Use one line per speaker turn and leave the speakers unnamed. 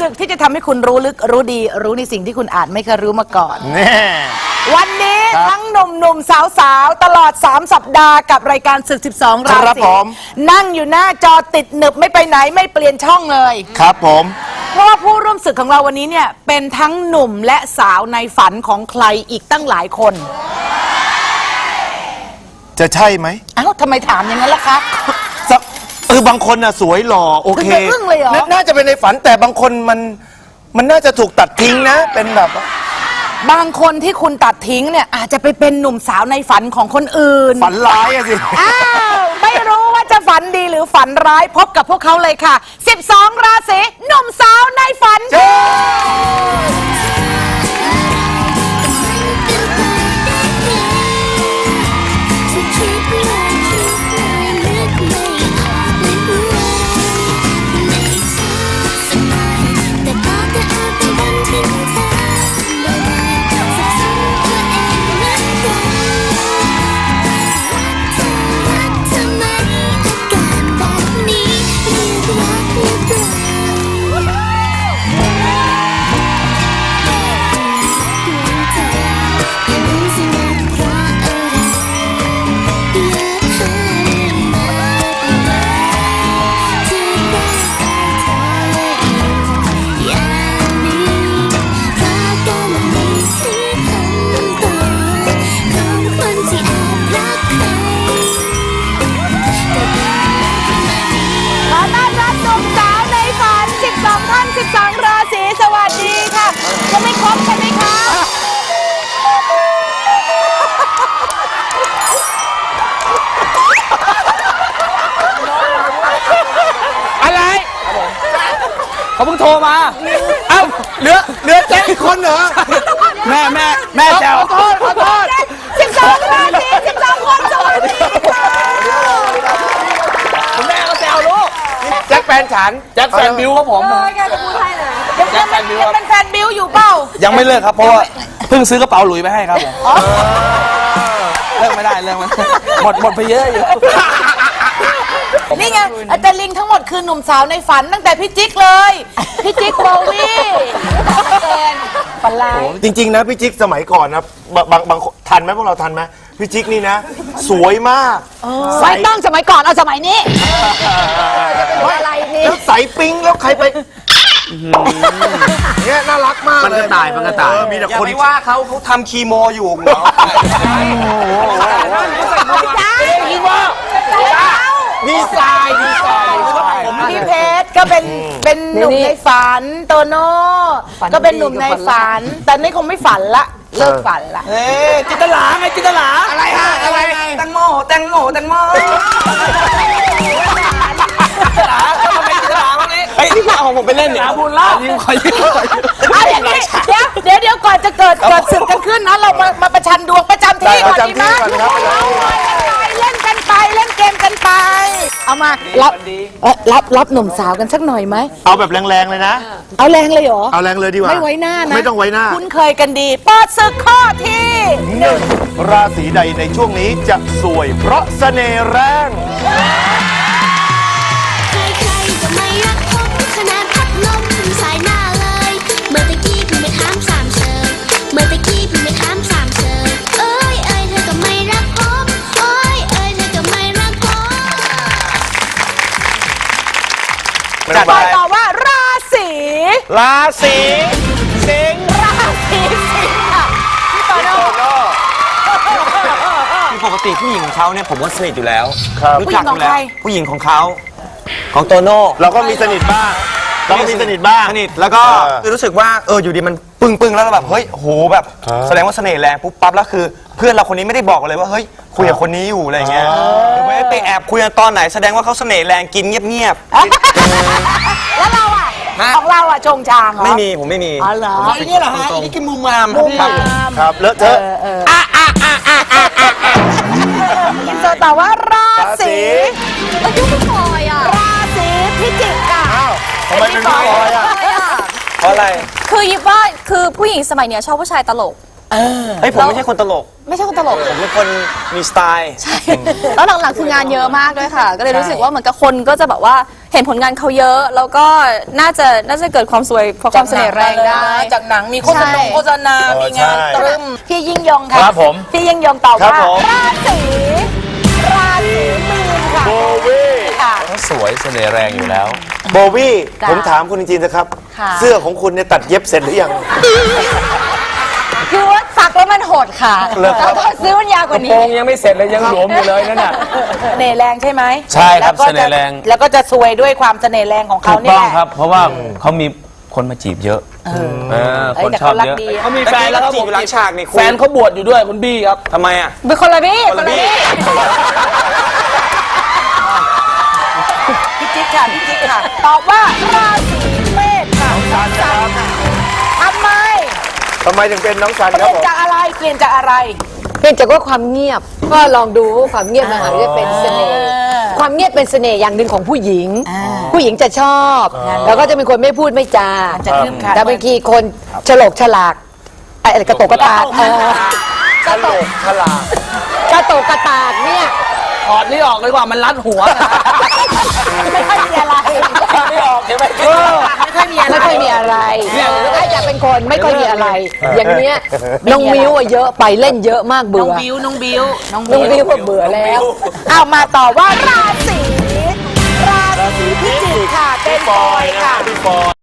ศึกที่จะทำให้คุณรู้ลึกรู้ดีรู้ในสิ่งที่คุณอาจไม่เคยรู้มาก่อน
แน่
วันนี้ทั้งหนุ่มๆสาวๆตลอด3 สัปดาห์กับรายการศึก12 ราศีนั่งอยู่หน้าจอติดหนึบไม่ไปไหนไม่เปลี่ยนช่องเลย
ครับผม
เพราะว่าผู้ร่วมศึกของเราวันนี้เนี่ยเป็นทั้งหนุ่มและสาวในฝันของใครอีกตั้งหลายคน
จะใช่ไหม
อ้าวทำไมถามอย่างนั้นล่ะคะ
บางคนน่ะสวยหล่อโอเคน่าจะเป็นในฝันแต่บางคนมันน่าจะถูกตัดทิ้งนะเป็นแบบ
บางคนที่คุณตัดทิ้งเนี่ยอาจจะไปเป็นหนุ่มสาวในฝันของคนอื่น
ฝันร้ายอะสิ
ไม่รู้ว่าจะฝันดีหรือฝันร้ายพบกับพวกเขาเลยค่ะ12 ราศีหนุ่มสาวในฝัน12 ราศีสวัสดีค่ะจะไม่ครบใช่ไหมคะ
อะไรเขาเพิ่งโทรมาเอ้าเหลือแจ็คคนเหรอแม่แจวขอโทษ
12 ราศี12 คนสวัสดีค่ะ
แม่ก็แจวลูกแจ็คแฟนฉันแจ็คแฟนบิวครับผม
แจ็คแฟนบิวยังเป็นแฟนบิวอยู่เปล่า
ยังไม่เลิกครับเพราะว่าเพิ่งซื้อกระเป๋าหลุยไปให้ครับผมเลิกไม่ได้หมดไปเยอะอยู่
นี่ไงแต่ลิงทั้งหมดคือหนุ่มสาวในฝันตั้งแต่พี่จิ๊กเลยพี่จิ๊กโบวี่เกินฝันร้าย
จริงๆนะพี่จิ๊กสมัยก่อนนะบางทันไหมพวกเราทันไหมพี่จิ๊กนี่นะสวยมาก
ไม่ต้องสมัยก่อนเอาสมัยนี้อะไรนี่
แล้วใสปิ๊งแล้วใครไปเนี่ยน่ารักมาก
มันก็ตาย
มีแต่คน
ไม่ว่าเขาทำคีโมอยู่เหรอคีโมดีไซน์
พี่เพชรก็เป็นหนุ่มในฝันโตโน่ก็เป็นหนุ่มในฝันแต่นี่คงไม่ฝันละเลิกฝันละ
จินตลาไงจินตลาอะไรฮะอะไรแตงโมจินตลาทำไมจินตลาบ้างนี่เฮ้ยนี่เอาของผมไปเล่นเนี่ยบุญล่าเ
ดี๋ยวก่อนจะเกิดศึกกันขึ้นนะเรามาประชันดวงประจำที่ก่อนดีไหมเล่นกันไปเล่นเกมกันไปเอามารับหนุ่มสาวกันสักหน่อยไหม
เอาแบบแรงๆเลยนะ
เอาแรงเลยเหรอ
เอาแรงเลยดีกว่า
ไม่ไว้หน้านะ
ไม่ต้องไว้หน้า
คุ้นเคยกันดีเปิดศึกข้อที่
1ราศีใดในช่วงนี้จะสวยเพราะเสน่ห์แรง
ตอบว่าราศี
สิงห์
ราศีสิงห์ค่ะพี่โตโน่
ปกติผู้หญิงของเขาเนี่ยผมว่าสนิทอยู่แล้ว
รู้จักอยู่แล้ว
ผู้หญิงของเขาของโตโน่
เราก็มีสนิทบ้างสนิท
แล้วก็รู้สึกว่าอยู่ดีมันปึ้งแล้วแบบเฮ้ยโหแบบแสดงว่าเสน่ห์แรงปุ๊บปั๊บแล้วคือเพื่อนเราคนนี้ไม่ได้บอกเลยว่าเฮ้ยคุยกับคนนี้อยู่อะไรเงี้ยหรือไปแอบคุยกันตอนไหนแสดงว่าเขาเสน่ห์แรงกินเงียบ
แล้วเราอ่ะของเราอ่ะชงชางเหรอ
ไม่มีผมไม่มี
อ๋อเหรอ
นี่เหรอฮะนี่คือมุมมาม
ครับเลอะเทอะ
อินเตอร์ตอบว่าราศียุ่งพลอยอ่ะราศีพิจิกค่ะ
ทำไมเป็นพี่พลอยอ่ะ
เพราะอะไร
คือยิบว่าคือผู้หญิงสมัยเนี้ยชอบผู้ชายตลก
เฮ้ยผมไม่ใช่คนตลก
ไม่ใช่คนตลก
ผมเป็นคนมีสไตล์
แล้วหลังๆคืองานเยอะมากด้วยค่ะ ก็เลยรู้สึกว่าเหมือนกับคนก็จะแบบว่าเห็นผลงานเขาเยอะ แล้วก็น่าจะเกิดความสวยเพราะความเสน่ห์แรงได้
จากหนังมีโฆษณา
ใช่
โฆษณามีงาน
ใช่
ตรึมพี่ยิ่งยงค่ะ
ครับผม
พี่ยิ่งยงตอบ
ครับ
ว่า
ผม
ราศีมีนค่ะ
โบวี่
ค่ะ
เขาสวยเสน่ห์แรงอยู่แล้ว
โบวี่
จ้ะ
ผมถามคุณจริงๆนะครับ
ค่ะ
เสื้อของคุณเนี่ยตัดเย็บเสร็จหรือยัง
คือว่าสักแล้วมันโหดค่ะ
เหรอครับ
แล้วก็ซื้อมันยาวกว่า
โป
นี้
รงยังไม่เสร็จเลยยังหลวมอยู่เลยนั่นน่ะ
เสน่ห์แรงใช่ไหม
ใช่ครับ
แล้วก็จะ
เสน่ห์แรง
แล้วก็จะซวยด้วยความเสน่ห์แรงของเขา
ถูก
เนี่
ต้
ย
องครับ เพราะว่าเขามีคนมาจีบเยอะคน
แต่
ชอบ
เขารัก
เยอะ
ดี
เขามีแฟนแล้วครับผมหลังฉากนี่คุณ
แฟนเขาบวชอยู่ด้วยคุณบี้ครับ
ทำไมอ่ะ
เป็นคนละบี้
คนละบี้
พี่จิ๊กค่ะพี่จิ๊กค่ะ ตอบว่าราศีเมษค่ะน้องสันค่ะทำไม
ทำไมถึงเป็นน้องสัน
เป
ครับ
ลี่ยน
ผม
จากอะไรเปลี่ยนจากอะไร
เพียงแต่ว่าความเงียบก็ลองดูว่าความเงียบมันอาจจะเป็นเสน่ห์ความเงียบเป็นเสน่ห์อย่างหนึ่งของผู้หญิง ผู้หญิงจะชอบ แล้วก็จะเป็นคนไม่พูดไม่จา
จะคลึ้มค่ะ
แต่บางทีคนฉลกฉลากอะไรกระโตกกระตากกระโตกฉลากกระโตกกระตากเนี่ย
ถอดนี่ออกเลยว่ามันรัดหัว
ไม่ค่อยมีอะไร
ไม่ออกใช่ไหม
ไม่ค่อยมีอะไร
ไม่ค่อยมีอะไรถ้าอยากเป็นคนไม่ค่อยมีอะไร อย่างเนี้ยน้องมิ้วอะเยอะไปเล่นเยอะมาก
น้
เบื่
อง
อ
บิวน้องบิวน้อง
น้องมิ้วก็เบื่อแล้ว
เอามาต่อว่าราศีพิจิกค่ะเป็นบอยค่ะ